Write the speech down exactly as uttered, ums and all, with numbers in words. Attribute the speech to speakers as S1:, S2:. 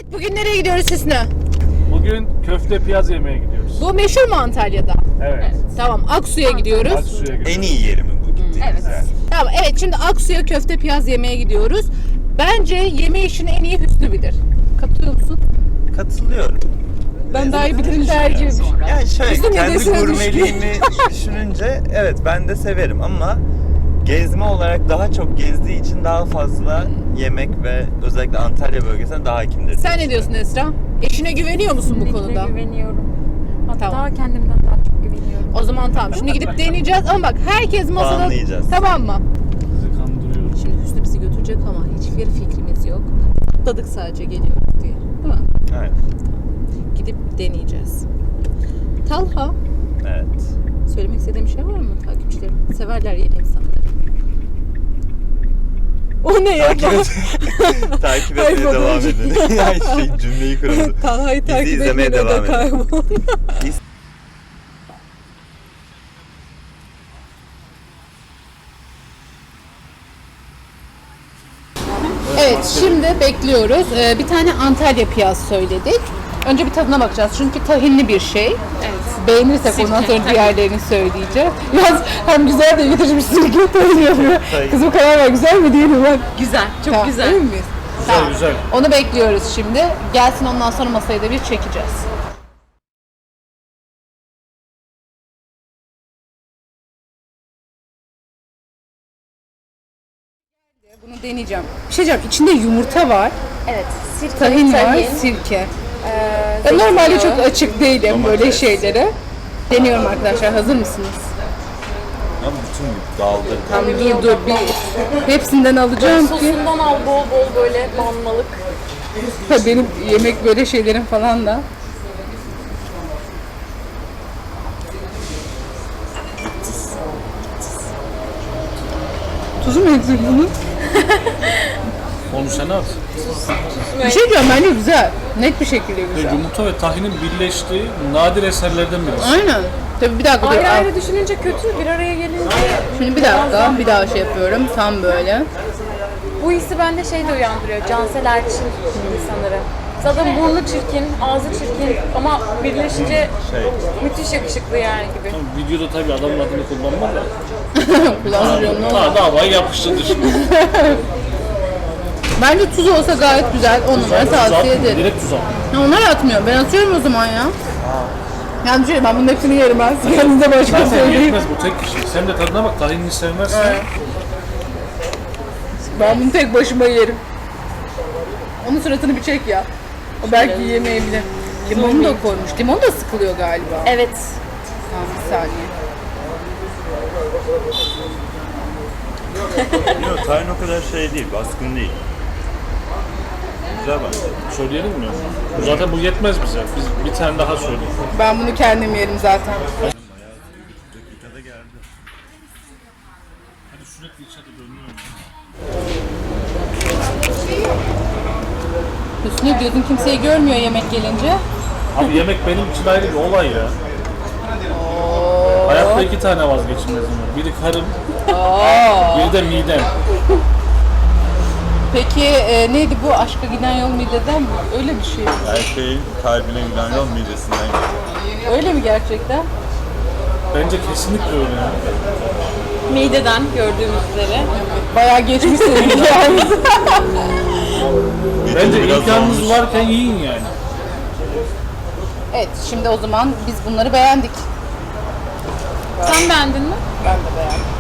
S1: Bugün nereye gidiyoruz Hüsnü?
S2: Bugün köfte piyaz yemeye gidiyoruz.
S1: Bu meşhur mu Antalya'da?
S2: Evet.
S1: Evet. Tamam, Aksu'ya gidiyoruz.
S2: Aksu'ya gidiyoruz.
S3: En iyi yeri mi bu gittiğiniz
S1: Evet.
S3: yer?
S1: Tamam, evet şimdi Aksu'ya köfte piyaz yemeye gidiyoruz. Bence yeme işini en iyi Hüsnü bilir. Katılıyor musun?
S3: Katılıyorum.
S1: Ben daha iyi bilirim tercihim.
S3: Yani şöyle
S1: Bizim
S3: kendi
S1: midesine
S3: gurmeliğimi düşününce evet ben de severim ama gezme olarak daha çok gezdiği için daha fazla yemek ve özellikle Antalya bölgesine daha hakimdir.
S1: Sen ne diyorsun Esra? Eşine güveniyor musun bu
S4: Kesinlikle
S1: konuda?
S4: güveniyorum. Hatta
S1: Tamam.
S4: kendimden daha çok güveniyorum.
S1: O zaman tamam. Şimdi gidip deneyeceğiz ama bak herkes masada...
S3: Puanlayacağız.
S1: Tamam mı?
S2: Bizi kandırıyoruz.
S1: Şimdi Hüsnü bizi götürecek ama hiçbir fikrimiz yok. Atladık sadece geliyoruz diye. Değil mi?
S3: Evet.
S1: Gidip deneyeceğiz. Talha,
S3: Evet.
S1: söylemek istediğim bir şey var mı takipçilerim? Severler yeni insanları. O ne ya?
S3: Takip, et, takip
S1: Ay,
S3: etmeye
S1: baba.
S3: devam edin. Ya şey cümleyi kuruldu.
S1: Talha'yı
S3: Bizi
S1: takip
S3: izlemeye
S1: etmeye
S3: devam
S1: de
S3: edin.
S1: kaybol.
S3: Biz-
S1: Evet, şimdi bekliyoruz. Ee, bir tane Antalya piyaz söyledik. Önce bir tadına bakacağız çünkü tahinli bir şey.
S4: Evet.
S1: Beğenirsek ondan sonra diğerlerini söyleyeceğim. Yalnız hem güzel de getirmiş sirke tahin yapıyor.
S3: Tahin.
S1: Kızım karar ver, güzel mi değil mi bak.
S4: Güzel, çok
S1: Tamam,
S4: güzel.
S1: emin miyiz?
S2: Güzel
S1: Tamam.
S2: güzel.
S1: Onu bekliyoruz şimdi. Gelsin ondan sonra masayı da bir çekeceğiz. Bunu deneyeceğim. Bir şey diyeceğim. İçinde yumurta var,
S4: Evet. Sirke,
S1: tahin var, sirke.
S4: Ee,
S1: Ben normalde
S4: zeytinyağı.
S1: çok açık değilim
S3: Domates.
S1: böyle şeylere. Deniyorum arkadaşlar. Hazır mısınız?
S3: Ama bütün dağıldı.
S1: Tamam
S4: Tabii,
S1: dur dur bir hepsinden alacağım ki.
S4: Sosundan al bol bol böyle banmalık.
S1: Ha, benim yemek böyle şeylerim falan da. Tuzu mu eksik bunun?
S2: Onu sen at.
S1: Bir şey diyeceğim bence güzel. Net bir şekilde
S2: Ve
S1: güzel.
S2: yumurta ve tahinin birleştiği nadir eserlerden birisi.
S1: Aynen. Tabii bir dakika dur.
S4: Ayrı
S1: al.
S4: ayrı düşününce kötü, bir araya gelince
S1: Şimdi bir dakika bir daha şey yapıyorum. Tam böyle.
S4: bu hissi bende şey de uyandırıyor. Cansel Erçin sanırım. Zaten burnu çirkin, ağzı çirkin ama birleşince
S3: Şey.
S4: müthiş yakışıklı yani gibi.
S2: Videoda tabii adamın adını kullanma da.
S1: Kullanıyorum ne olur.
S2: Ha davayı yapıştırdı şimdi.
S1: Bence tuz olsa gayet güzel. On numara
S2: Tuz
S1: tavsiye
S2: atmıyor,
S1: ederim.
S2: direkt tuz at.
S1: Ya onlar atmıyor. Ben atıyorum o zaman ya. Yani şey, ben bunun hepsini yerim ben. Siz kendinize başka
S2: Zaten
S1: söyleyeyim.
S2: yetmez bu tek kişi. Sen de tadına bak, tahinini sevmezsen.
S1: Evet. Ben bunu tek başıma yerim. Onun suratını bir çek ya. O belki yiyemeyebilir. Limonu da koymuş. Limon da sıkılıyor galiba.
S4: Evet.
S1: Tamam bir saniye.
S3: Yok tayin o kadar şey değil, baskın değil. Güzel bence.
S2: Söyleyelim mi? Bu zaten bu yetmez bize. Biz bir tane daha söyleyelim.
S1: Ben bunu kendim yerim zaten.
S3: Dakikada geldi.
S2: Hadi sürekli içeri dönüyor.
S1: Hüsnü gözün kimseyi görmüyor yemek gelince.
S2: Abi yemek benim için ayrı bir olay ya. Hayatta iki tane vazgeçilmezim var. Biri karım, biri de midem.
S1: Peki e, neydi bu aşka giden yol mideden mi? Öyle bir şey.
S3: Her şeyin kalbine giden yol midesinden gidiyor.
S1: Öyle mi gerçekten?
S2: Bence kesinlikle öyle ya.
S4: Mideden gördüğümüz üzere.
S1: Bayağı geçmiş senin hikayemiz.
S2: Bence
S3: biraz
S2: imkanınız
S3: olmuş.
S2: varken yiyin yani.
S1: Evet şimdi o zaman biz bunları beğendik.
S4: Sen beğendin mi?
S1: Ben de beğendim.